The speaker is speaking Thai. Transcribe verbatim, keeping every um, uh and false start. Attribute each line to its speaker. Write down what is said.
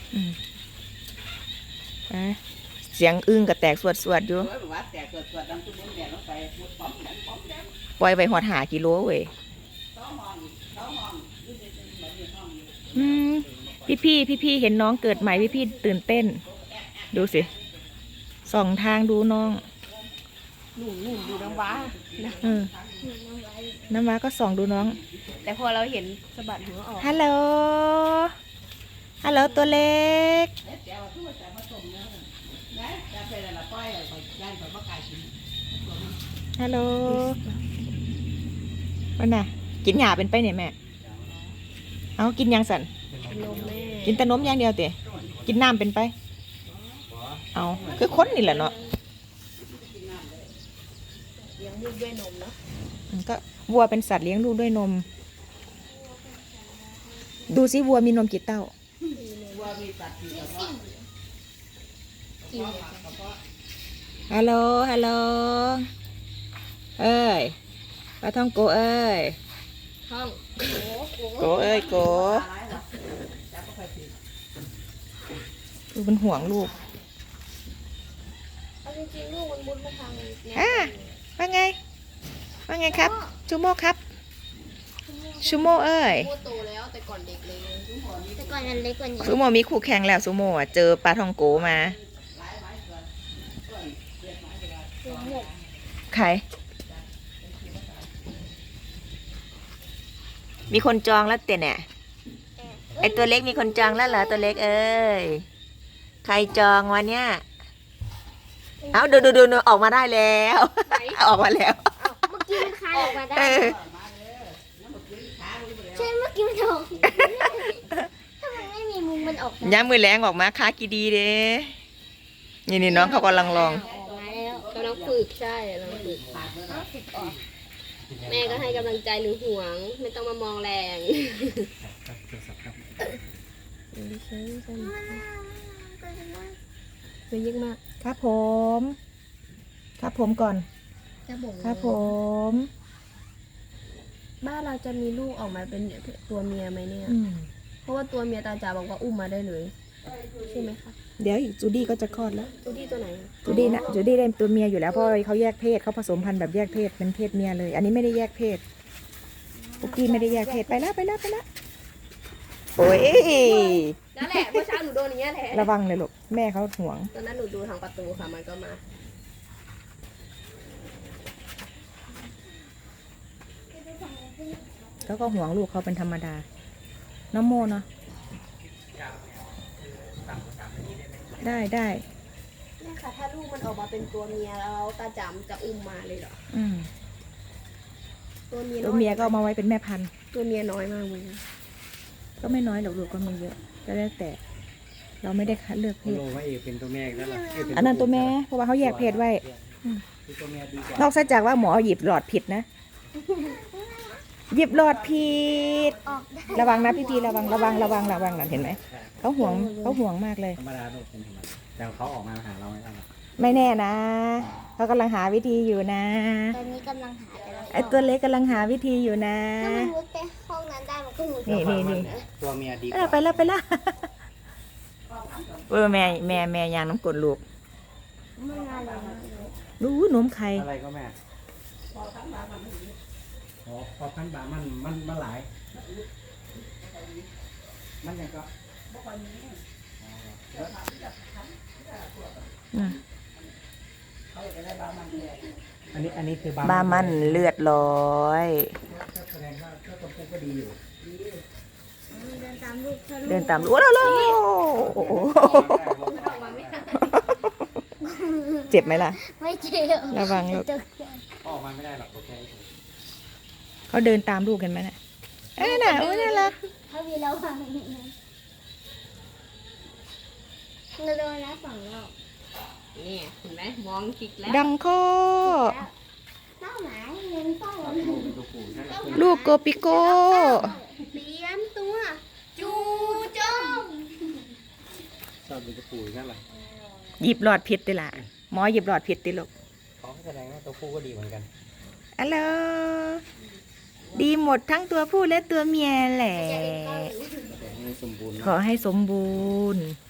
Speaker 1: อืมไปเสียงอึ้งกับแตกสวดสวดอยู่ปล่อยไปหอดหากิโลเว้ยอืมพี่พี่พี่พี่เห็นน้องเกิดใหม่พี่พี่ตื่นเต้นดูสิส่องทางดูน้อง
Speaker 2: หนูหนูดูน้ำว้า
Speaker 1: เออน้ำว้าก็ส่องดูน้อง
Speaker 2: แต่พอเราเห็นสะบัดหัวออก
Speaker 1: ฮัลโหลฮัลโหลตัวเล็กฮัลโหลวันน่ะกินหยาเป็นไปเนี่ยแม่เอากินยังสัน
Speaker 2: นมแม่
Speaker 1: กินแต่นมอย่างเดียวเตะกินน้ำเป็นไปเอาคือคนนี่แหละเนาะ
Speaker 2: เลี้ยงลูกด้วยนมเนาะ
Speaker 1: ก็วัวเป็นสัตว์เลี้ยงลูกด้วยนม ดูสิวัวมีนมกี่เต้าฮัลโหลฮัลโหลเอ้ยปลาท่องโกเอ้ย
Speaker 2: ท้อง
Speaker 1: โกเอ้ยโกดูเป็นห่วงลูก
Speaker 2: เอาจริงๆลูกมันมุดมาทางนี้
Speaker 1: อ่ะว่าไงว่าไงครับชูโม่ครับชูโม่เอ้ย
Speaker 2: โมโตแล้วแต่ก่อนเด็กเลย
Speaker 3: แต่ก่อนมันเล็กกว่านี้
Speaker 1: ซูโม่มีคู่แข่งแล้วซูโม่อะเจอปลาท่องโกมา
Speaker 2: หมก
Speaker 1: ใครมีคนจองแล้วเตะเนี่ยไอตัวเล็กมีคนจองแล้วเหรอตัวเล็กเอ้ยใครจองวันเนี้ยเอาดูดูดูดูออกมาได้แล้วออกมาแล้ว
Speaker 3: เมื่อกี้มันคลายออกมาได้
Speaker 1: เออ
Speaker 3: ใช่เมื่อกี้มันออกถ้ามันไม่มีมุมมันออกได้
Speaker 1: ย้ำมือแรงออกมาค้ากีดีเด้นี่นี่น้องเขากำลังลอง
Speaker 3: ออกมาแล้ว
Speaker 2: กำลังฝึกใช่กำลังฝึกแม่ก็ให้กำลังใจหรือห่วง ไม่ต้องมามองแรงมันยิ่งมาก
Speaker 1: ครับผม ครับผมก่อน
Speaker 3: จะบ่ง
Speaker 1: ครับผม
Speaker 2: บ้านเราจะมีลูกออกมาเป็นตัวเมียไหมเนี่ย
Speaker 1: อืม
Speaker 2: เพราะว่าตัวเมียตาจ๋าบอกว่าอุ้มมาได้เลยใช่ไหมคะ
Speaker 1: เดี๋ยวอีกจูดี้ก็จะคลอดแล้ว
Speaker 2: ตัวที่ตัวไหน
Speaker 1: จูดี้นะจูดี้ได้ตัวเมียอยู่แล้วเพราะเขาแยกเพศเขาผสมพันธุ์แบบแยกเพศเป็นเพศเมียเลย อันนี้ไม่ได้แยกเพศปุกกี้ไม่ได้แยกเพศไปแล้วไปแล้วไปแล้วโอ้ย
Speaker 2: นั่นแหละเมื่อเช้าหนูโดนอย่างเงี้ยแหละ
Speaker 1: ระวังเลยลูกแม่เขาห่วง
Speaker 2: ตอนนั้นหนูดูทางประตูค่ะมันก็มา
Speaker 1: เขาก็ห่วงลูกเขาเป็นธรรมดาน้องโมเนาะได้ได้
Speaker 2: เนี่ยค่ะถ้าลูกมันออกมาเป็นตัวเมียแล้วตาจ๋าจะอุ้มมาเลยเหรอ
Speaker 1: อืม
Speaker 2: ตัวเมีย
Speaker 1: ตัวเมียก็เอามาไว้เป็นแม่พันธุ์
Speaker 2: ตัวเมียน้อยมากเลยนะ
Speaker 1: ก็ไม่น้อยหรอกลูกก็มีเยอะก็แล้วแต่ เราไม่ได้คัดเลือกเพศ
Speaker 4: โลว่าเอกเป็นตัวแม่แล้วล่ะเกเป็
Speaker 1: อันนั้นตัวแม่เพราะว่าเขาแยกเพศไว้
Speaker 4: คือตัวแม่ดีกว่าน
Speaker 1: อกจากว่าหมอหยิบหลอดผิดนะ หยิบหลอดผิด
Speaker 3: ออกได้
Speaker 1: ระวังนะพี่พีระวังระวังระวังระวังนั่นเห็นไหมเขาห่วงเขาห่วงมากเลย
Speaker 4: ธรรมดาโลกเป็นธรรมดาแต่เขาออกมาหาเราไม่ได้หรอก
Speaker 1: ไม่แน่นะเขากำลังหาวิธีอยู่นะ
Speaker 3: ตอนนี้กำลังหาแต่ละ
Speaker 1: ไอตัวเล็กกำลังหาวิธีอยู่นะ
Speaker 3: ถ้ามันมุดไปห้องนั้นได้มันก็มุด
Speaker 1: นี่นี่นี่
Speaker 4: ตัวเมียดีก
Speaker 1: เออ
Speaker 4: ว่า
Speaker 1: ไปแล้วไปแล้วเออแม่แม่แม่ยางน้ำกรดลูก
Speaker 3: ไม่นานเลย
Speaker 1: รู้นมไข่
Speaker 4: อะไรก็แม่อ๋อพอพันบาทมันมันมันหลาย มันยังก็
Speaker 1: อืม
Speaker 4: อันนี้อันนี้คือบา
Speaker 1: บ้ามันเลือดลอย
Speaker 4: แสดงว่าเจ้าตัวผู้ก็ดีอยู่
Speaker 3: เดินตามลูกถ้าลูก
Speaker 1: เดินตามลูกแล้วแล้วเจ็บไหมล่ะ
Speaker 3: ไม่เจ็บ
Speaker 1: ระวังลูก
Speaker 4: ออกมาไม่ได้หรอกโอเค
Speaker 1: เขาเดินตามลูกกันไหมน่ะเอ้ยน่ะโอ้ยน่ารัก
Speaker 3: ถ้ามีเราฟังเราโดนแล้วสองรอบ
Speaker 2: นี่เห็นไหมมองจิกแล้ว
Speaker 1: ดังข้อ
Speaker 3: เป้าหมายเงินเป้าหมาย
Speaker 4: ตัวผู้นั่นแหละ
Speaker 1: ลูกโกปิโก้
Speaker 3: เตรียมตัว จูจม
Speaker 4: ชอบดูตัวผู้นั่นแหละ
Speaker 1: หยิบหลอดผิดติล่ะหมอหยิบหลอดผิดติลูก
Speaker 4: เขาแสดงว่าตัวผู้ก็ดีเหมือนกัน
Speaker 1: อัลโหลดีหมดทั้งตัวผู้และตัวเมียแหละ
Speaker 4: แให้สมบูรณ์
Speaker 1: ขอให้สมบูรณ์